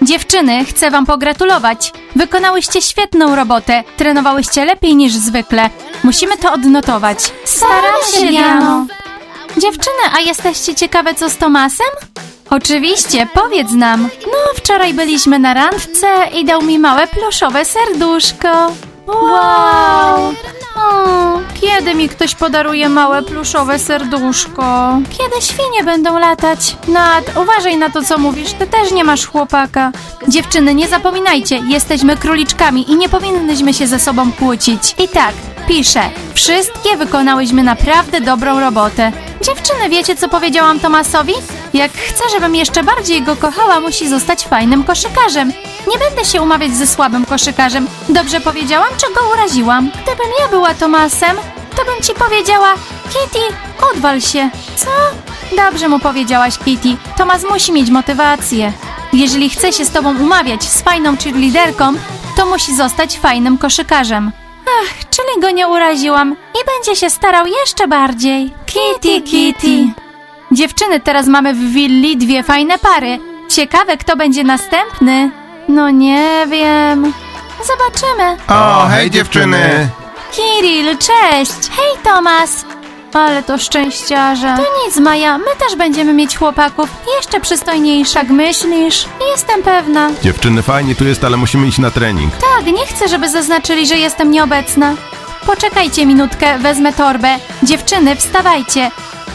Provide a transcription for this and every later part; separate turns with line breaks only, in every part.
Dziewczyny, chcę wam pogratulować. Wykonałyście świetną robotę. Trenowałyście lepiej niż zwykle. Musimy to odnotować.
Staramy się, Diano.
Dziewczyny, a jesteście ciekawe co z Tomasem? Oczywiście, powiedz nam. No, wczoraj byliśmy na randce i dał mi małe pluszowe serduszko. Wow! Kiedy mi ktoś podaruje małe pluszowe serduszko? Kiedy świnie będą latać? Nat, uważaj na to, co mówisz. Ty też nie masz chłopaka. Dziewczyny, nie zapominajcie, jesteśmy króliczkami i nie powinnyśmy się ze sobą kłócić. I tak, piszę. Wszystkie wykonałyśmy naprawdę dobrą robotę. Dziewczyny, wiecie, co powiedziałam Tomasowi? Jak chce, żebym jeszcze bardziej go kochała, musi zostać fajnym koszykarzem. Nie będę się umawiać ze słabym koszykarzem. Dobrze powiedziałam, czy go uraziłam? Gdybym ja była Tomasem, to bym ci powiedziała: Kitty, odwal się. Co? Dobrze mu powiedziałaś, Kitty. Tomas musi mieć motywację. Jeżeli chce się z tobą umawiać z fajną cheerleaderką, to musi zostać fajnym koszykarzem. Ach, czyli go nie uraziłam i będzie się starał jeszcze bardziej. Kitty, Kitty. Dziewczyny, teraz mamy w willi dwie fajne pary. Ciekawe, kto będzie następny. No nie wiem. Zobaczymy.
O, hej dziewczyny!
Kirill, cześć! Hej, Tomas! Ale to szczęściarze. To nic, Maja, my też będziemy mieć chłopaków. Jeszcze przystojniejszych. Tak myślisz? Jestem pewna.
Dziewczyny, fajnie tu jest, ale musimy iść na trening.
Tak, nie chcę, żeby zaznaczyli, że jestem nieobecna. Poczekajcie minutkę, wezmę torbę. Dziewczyny, wstawajcie.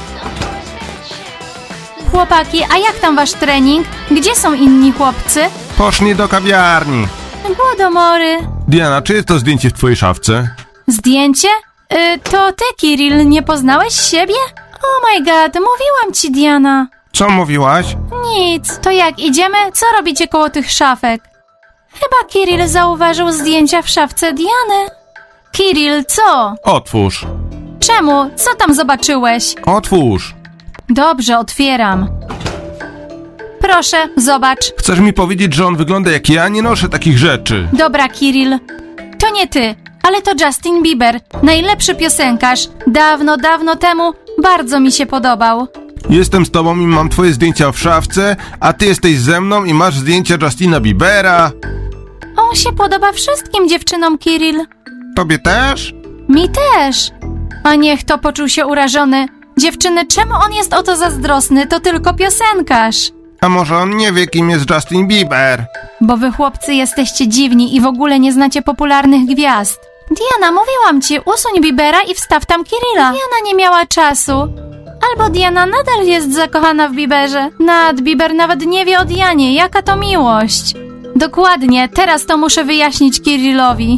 Chłopaki, a jak tam wasz trening? Gdzie są inni chłopcy?
Poszli do kawiarni.
Głodomory.
Diana, czy jest to zdjęcie w twojej szafce?
Zdjęcie? To ty, Kirill, nie poznałeś siebie? Oh my god, mówiłam ci, Diana.
Co mówiłaś?
Nic, to jak idziemy? Co robicie koło tych szafek? Chyba Kirill zauważył zdjęcia w szafce Diany. Kirill, co?
Otwórz.
Czemu? Co tam zobaczyłeś?
Otwórz.
Dobrze, otwieram. Proszę, zobacz.
Chcesz mi powiedzieć, że on wygląda jak ja? Nie noszę takich rzeczy.
Dobra, Kirill. To nie ty, ale to Justin Bieber. Najlepszy piosenkarz. Dawno, dawno temu bardzo mi się podobał.
Jestem z tobą i mam twoje zdjęcia w szafce, a ty jesteś ze mną i masz zdjęcia Justina Biebera.
On się podoba wszystkim dziewczynom, Kirill.
Tobie też?
Mi też. A niech to poczuł się urażony. Dziewczyny, czemu on jest o to zazdrosny? To tylko piosenkarz.
A może on nie wie, kim jest Justin Bieber?
Bo wy chłopcy jesteście dziwni i w ogóle nie znacie popularnych gwiazd. Diana, mówiłam ci, usuń Biebera i wstaw tam Kirilla. Diana nie miała czasu. Albo Diana nadal jest zakochana w Bieberze. Bieber nawet nie wie o Dianie, jaka to miłość. Dokładnie, teraz to muszę wyjaśnić Kirillowi.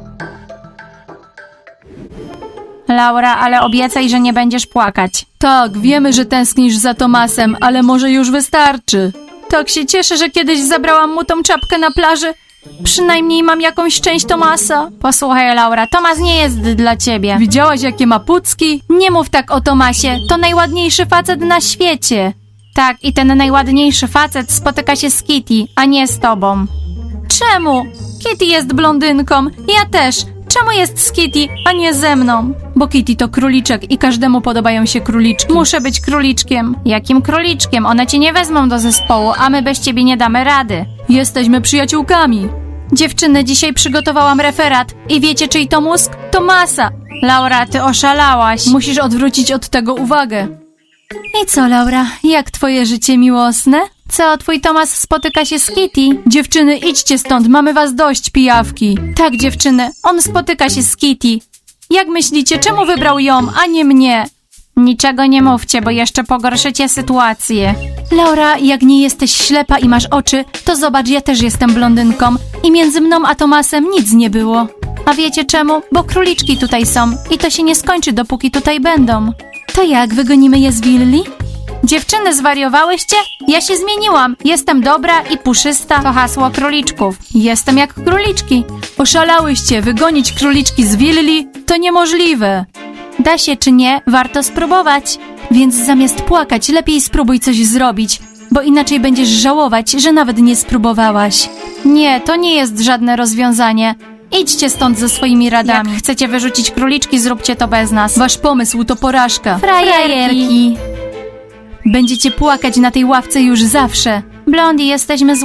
Laura, ale obiecaj, że nie będziesz płakać. Tak, wiemy, że tęsknisz za Tomasem, ale może już wystarczy. Tak się cieszę, że kiedyś zabrałam mu tą czapkę na plaży. Przynajmniej mam jakąś część Tomasa. Posłuchaj, Laura, Tomas nie jest dla ciebie. Widziałaś, jakie ma pucki? Nie mów tak o Tomasie, to najładniejszy facet na świecie. Tak, i ten najładniejszy facet spotyka się z Kitty, a nie z tobą. Czemu? Kitty jest blondynką, ja też. Czemu jest z Kitty, a nie ze mną? Bo Kitty to króliczek i każdemu podobają się króliczki. Muszę być króliczkiem. Jakim króliczkiem? One cię nie wezmą do zespołu, a my bez ciebie nie damy rady. Jesteśmy przyjaciółkami. Dziewczyny, dzisiaj przygotowałam referat. I wiecie, czyj to mózg? Tomasa. Laura, ty oszalałaś. Musisz odwrócić od tego uwagę. I co, Laura? Jak twoje życie miłosne? Co, twój Tomas spotyka się z Kitty? Dziewczyny, idźcie stąd, mamy was dość, pijawki. Tak, dziewczyny, on spotyka się z Kitty. Jak myślicie, czemu wybrał ją, a nie mnie? Niczego nie mówcie, bo jeszcze pogorszycie sytuację. Laura, jak nie jesteś ślepa i masz oczy, to zobacz, ja też jestem blondynką. I między mną a Tomasem nic nie było. A wiecie czemu? Bo króliczki tutaj są i to się nie skończy, dopóki tutaj będą. To jak, wygonimy je z willi? Dziewczyny, zwariowałyście? Ja się zmieniłam. Jestem dobra i puszysta. To hasło króliczków. Jestem jak króliczki. Oszalałyście, wygonić króliczki z willi? To niemożliwe. Da się czy nie, warto spróbować. Więc zamiast płakać, lepiej spróbuj coś zrobić, bo inaczej będziesz żałować, że nawet nie spróbowałaś. Nie, to nie jest żadne rozwiązanie. Idźcie stąd ze swoimi radami. Jak chcecie wyrzucić króliczki, zróbcie to bez nas. Wasz pomysł to porażka. Frajerki. Będziecie płakać na tej ławce już zawsze. Blondie, jesteśmy złe?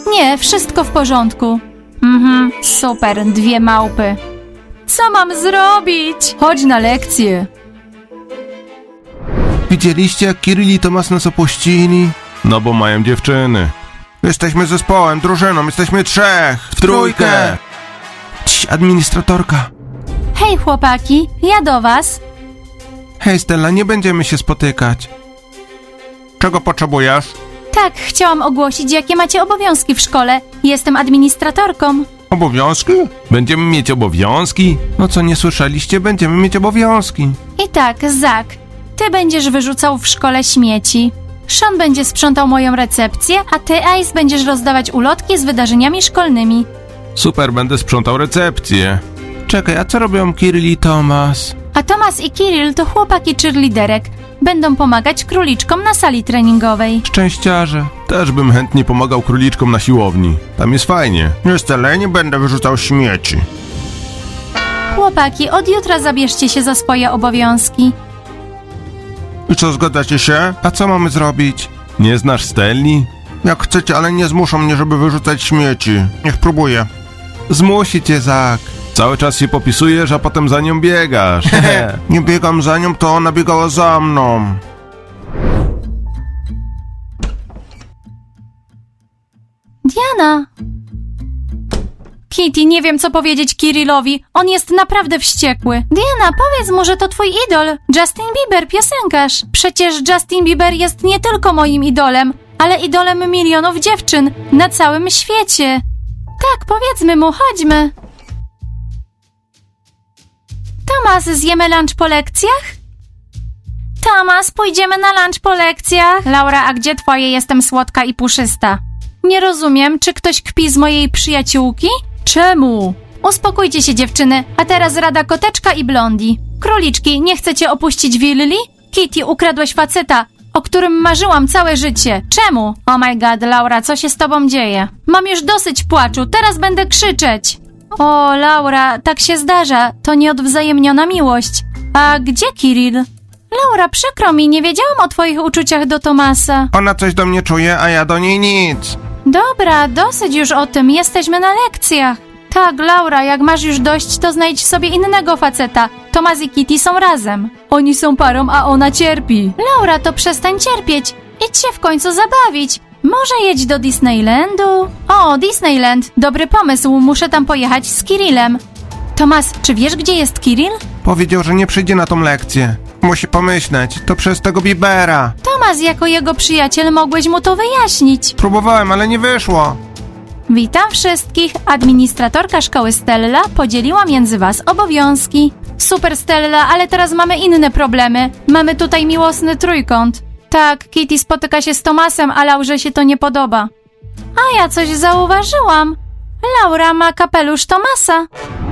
Nie, wszystko w porządku. Super, 2 małpy. Co mam zrobić? Chodź na lekcję.
Widzieliście, jak Kirill i Tomas nas opuścili? No bo mają dziewczyny. Jesteśmy zespołem, drużyną, jesteśmy 3. W trójkę! Cii, administratorka.
Hej chłopaki, ja do was.
Hej Stella, nie będziemy się spotykać. Czego potrzebujesz?
Tak, chciałam ogłosić, jakie macie obowiązki w szkole. Jestem administratorką.
Obowiązki? Będziemy mieć obowiązki? No co, nie słyszeliście? Będziemy mieć obowiązki.
I tak, Zak, ty będziesz wyrzucał w szkole śmieci. Sean będzie sprzątał moją recepcję, a ty, Ice, będziesz rozdawać ulotki z wydarzeniami szkolnymi.
Super, będę sprzątał recepcję. Czekaj, a co robią Kirill i Tomas?
A Tomas i Kirill to chłopaki cheerleaderek. Będą pomagać króliczkom na sali treningowej.
Szczęściarze. Też bym chętnie pomagał króliczkom na siłowni. Tam jest fajnie. Nie, Stella, nie będę wyrzucał śmieci.
Chłopaki, od jutra zabierzcie się za swoje obowiązki.
I co, zgadzacie się? A co mamy zrobić? Nie znasz Stelli? Jak chcecie, ale nie zmuszą mnie, żeby wyrzucać śmieci. Niech próbuję. Zmusi cię, Zak. Cały czas się popisujesz, a potem za nią biegasz. Nie biegam za nią, to ona biegała za mną.
Diana! Kitty, nie wiem co powiedzieć Kirillowi. On jest naprawdę wściekły. Diana, powiedz mu, że to twój idol. Justin Bieber, piosenkarz. Przecież Justin Bieber jest nie tylko moim idolem, ale idolem milionów dziewczyn na całym świecie. Tak, powiedzmy mu, chodźmy. Tomas, zjemy lunch po lekcjach? Tomas, pójdziemy na lunch po lekcjach? Laura, a gdzie twoje jestem słodka i puszysta? Nie rozumiem, czy ktoś kpi z mojej przyjaciółki? Czemu? Uspokójcie się dziewczyny, a teraz rada Koteczka i Blondi. Króliczki, nie chcecie opuścić willi? Kitty, ukradłeś faceta, o którym marzyłam całe życie. Czemu? Oh my god, Laura, co się z tobą dzieje? Mam już dosyć płaczu, teraz będę krzyczeć. O, Laura, tak się zdarza, to nieodwzajemniona miłość. A gdzie Kirill? Laura, przykro mi, nie wiedziałam o twoich uczuciach do Tomasa.
Ona coś do mnie czuje, a ja do niej nic.
Dobra, dosyć już o tym, jesteśmy na lekcjach. Tak, Laura, jak masz już dość, to znajdź sobie innego faceta. Tomas i Kitty są razem. Oni są parą, a ona cierpi. Laura, to przestań cierpieć. Idź się w końcu zabawić. Może jedź do Disneylandu? O, Disneyland, dobry pomysł, muszę tam pojechać z Kirillem. Tomas, czy wiesz, gdzie jest Kirill?
Powiedział, że nie przyjdzie na tą lekcję. Musi pomyśleć, to przez tego Biebera.
Tomas, jako jego przyjaciel mogłeś mu to wyjaśnić.
Próbowałem, ale nie wyszło.
Witam wszystkich. Administratorka szkoły Stella podzieliła między was obowiązki. Super Stella, ale teraz mamy inne problemy. Mamy tutaj miłosny trójkąt. Tak, Kitty spotyka się z Tomasem, a Laurze się to nie podoba. A ja coś zauważyłam. Laura ma kapelusz Tomasa.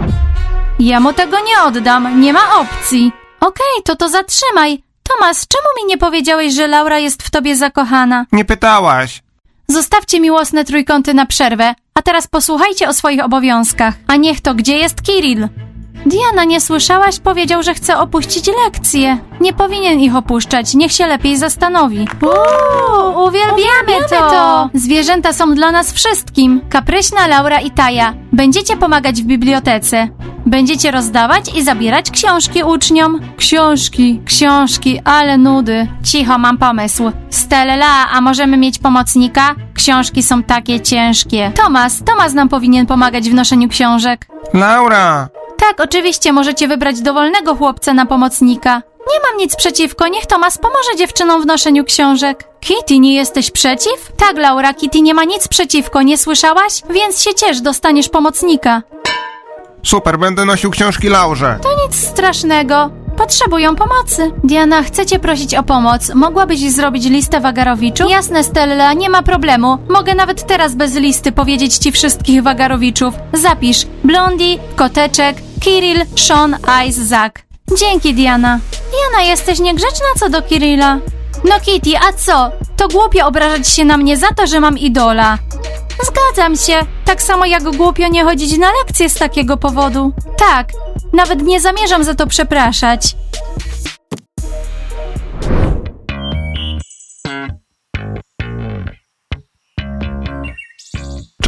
Ja mu tego nie oddam, nie ma opcji. Okej, to zatrzymaj. Tomas, czemu mi nie powiedziałeś, że Laura jest w tobie zakochana?
Nie pytałaś.
Zostawcie miłosne trójkąty na przerwę, a teraz posłuchajcie o swoich obowiązkach. A niech to, gdzie jest Kirill? Diana, nie słyszałaś? Powiedział, że chce opuścić lekcje. Nie powinien ich opuszczać, niech się lepiej zastanowi. Uwielbiamy to! Zwierzęta są dla nas wszystkim. Kapryśna Laura i Taja. Będziecie pomagać w bibliotece. Będziecie rozdawać i zabierać książki uczniom. Książki, ale nudy. Cicho, mam pomysł. Stella, a możemy mieć pomocnika? Książki są takie ciężkie. Tomas nam powinien pomagać w noszeniu książek.
Laura!
Tak, oczywiście możecie wybrać dowolnego chłopca na pomocnika. Nie mam nic przeciwko, niech Tomas pomoże dziewczynom w noszeniu książek. Kitty, nie jesteś przeciw? Tak, Laura, Kitty nie ma nic przeciwko, nie słyszałaś? Więc się ciesz, dostaniesz pomocnika.
Super, będę nosił książki Laurze.
To nic strasznego. Potrzebują pomocy. Diana, chcę cię prosić o pomoc. Mogłabyś zrobić listę wagarowiczów? Jasne, Stella, nie ma problemu. Mogę nawet teraz bez listy powiedzieć ci wszystkich wagarowiczów. Zapisz. Blondie, Koteczek, Kirill, Sean, Ice, Zak. Dzięki, Diana. Diana, jesteś niegrzeczna co do Kirilla. No Kitty, a co? To głupio obrażać się na mnie za to, że mam idola. Zgadzam się. Tak samo jak głupio nie chodzić na lekcje z takiego powodu. Tak, nawet nie zamierzam za to przepraszać.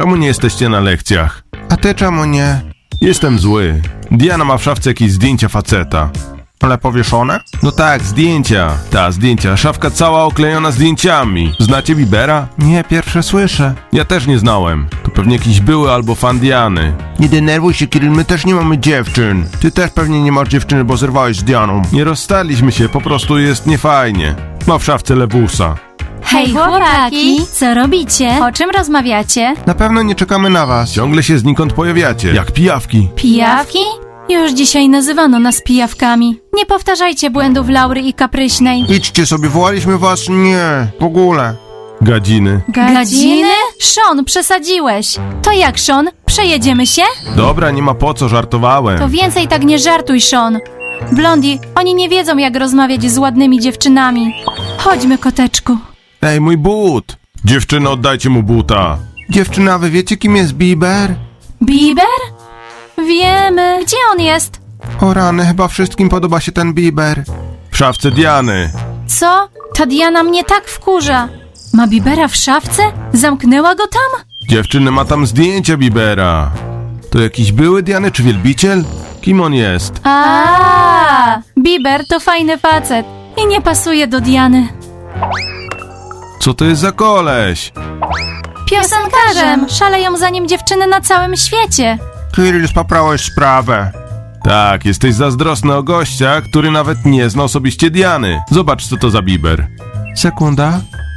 Czemu nie jesteście na lekcjach? A ty czemu nie? Jestem zły. Diana ma w szafce jakieś zdjęcia faceta. Ale powieszone? No tak, zdjęcia. Zdjęcia. Szafka cała oklejona zdjęciami. Znacie Biebera? Nie, pierwsze słyszę. Ja też nie znałem. To pewnie jakiś były albo fan Diany. Nie denerwuj się, Kiryl, my też nie mamy dziewczyn. Ty też pewnie nie masz dziewczyny, bo zerwałeś z Dianą. Nie rozstaliśmy się, po prostu jest niefajnie. Ma w szafce lewusa.
Hej, chłopaki!
Co robicie?
O czym rozmawiacie?
Na pewno nie czekamy na was. Ciągle się znikąd pojawiacie. Jak pijawki.
Pijawki? Już dzisiaj nazywano nas pijawkami. Nie powtarzajcie błędów Laury i Kapryśnej.
Idźcie sobie, wołaliśmy was. Nie, w ogóle. Gadziny.
Gadziny? Sean, przesadziłeś. To jak, Sean? Przejedziemy się?
Dobra, nie ma po co, żartowałem.
To więcej tak nie żartuj, Sean. Blondie, oni nie wiedzą, jak rozmawiać z ładnymi dziewczynami. Chodźmy, koteczku.
Ej, mój but! Dziewczyny, oddajcie mu buta. Dziewczyna, wy wiecie, kim jest Bieber?
Bieber? Wiemy. Gdzie on jest?
O rany, chyba wszystkim podoba się ten Bieber. W szafce Diany.
Co? Ta Diana mnie tak wkurza. Ma Biebera w szafce? Zamknęła go tam?
Dziewczyny, ma tam zdjęcia Biebera. To jakiś były Diany czy wielbiciel? Kim on jest?
Bieber to fajny facet i nie pasuje do Diany.
Co to jest za koleś?
Piosenkarzem! Szaleją za nim dziewczyny na całym świecie.
Kiryl, spaprałeś sprawę. Tak, jesteś zazdrosny o gościa, który nawet nie zna osobiście Diany. Zobacz, co to za Bieber. Sekunda.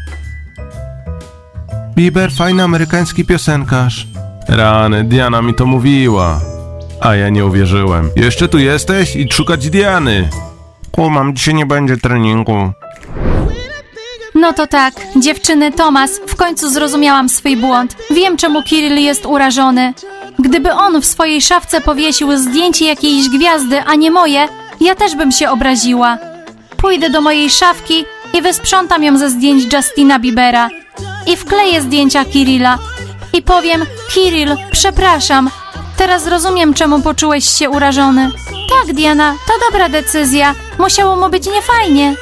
Bieber, fajny amerykański piosenkarz. Rany, Diana mi to mówiła. A ja nie uwierzyłem. Jeszcze tu jesteś i szukać Diany. Kumam, dzisiaj nie będzie treningu.
No to tak, dziewczyny, Tomas, w końcu zrozumiałam swój błąd. Wiem, czemu Kirill jest urażony. Gdyby on w swojej szafce powiesił zdjęcie jakiejś gwiazdy, a nie moje, ja też bym się obraziła. Pójdę do mojej szafki i wysprzątam ją ze zdjęć Justina Biebera. I wkleję zdjęcia Kirilla. I powiem, Kirill, przepraszam. Teraz rozumiem, czemu poczułeś się urażony. Tak, Diana, to dobra decyzja. Musiało mu być niefajnie.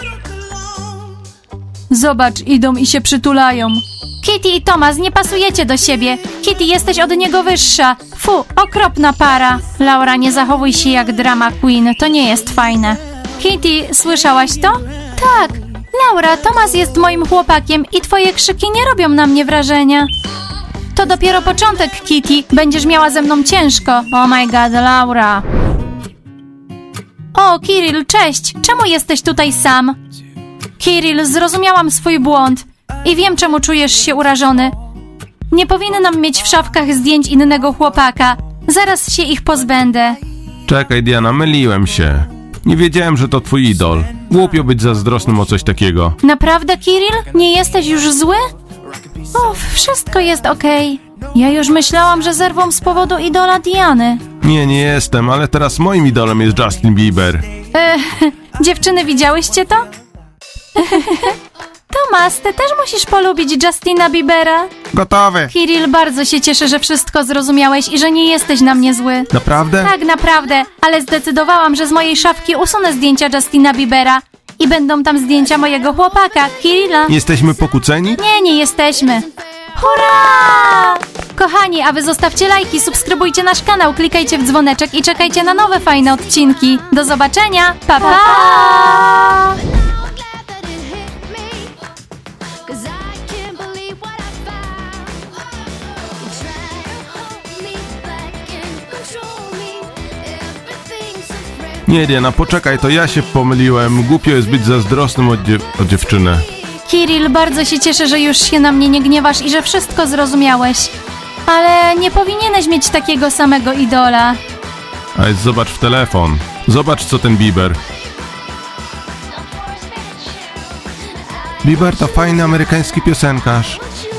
Zobacz, idą i się przytulają. Kitty i Tomas, nie pasujecie do siebie. Kitty, jesteś od niego wyższa. Fu, okropna para. Laura, nie zachowuj się jak drama queen, to nie jest fajne. Kitty, słyszałaś to? Tak. Laura, Tomas jest moim chłopakiem i twoje krzyki nie robią na mnie wrażenia. To dopiero początek, Kitty. Będziesz miała ze mną ciężko. Oh my god, Laura. O, Kirill, cześć. Czemu jesteś tutaj sam? Kirill, zrozumiałam swój błąd i wiem, czemu czujesz się urażony. Nie powinnam mieć w szafkach zdjęć innego chłopaka. Zaraz się ich pozbędę.
Czekaj, Diana, myliłem się. Nie wiedziałem, że to twój idol. Głupio być zazdrosnym o coś takiego.
Naprawdę, Kirill? Nie jesteś już zły? Uff, wszystko jest okej. Ja już myślałam, że zerwą z powodu idola Diany.
Nie jestem, ale teraz moim idolem jest Justin Bieber.
Dziewczyny, widziałyście to? Tomas, ty też musisz polubić Justina Biebera.
Gotowy.
Kirill, bardzo się cieszę, że wszystko zrozumiałeś i że nie jesteś na mnie zły.
Naprawdę?
Tak, naprawdę, ale zdecydowałam, że z mojej szafki usunę zdjęcia Justina Biebera i będą tam zdjęcia mojego chłopaka, Kirilla.
Jesteśmy pokłóceni?
Nie jesteśmy. Hurra! Kochani, a wy zostawcie lajki, subskrybujcie nasz kanał, klikajcie w dzwoneczek i czekajcie na nowe fajne odcinki. Do zobaczenia, pa pa!
Nie, Diana, poczekaj, to ja się pomyliłem. Głupio jest być zazdrosnym o dziewczynę.
Kirill, bardzo się cieszę, że już się na mnie nie gniewasz i że wszystko zrozumiałeś. Ale nie powinieneś mieć takiego samego idola.
A zobacz w telefon. Zobacz, co ten Bieber. Bieber to fajny amerykański piosenkarz.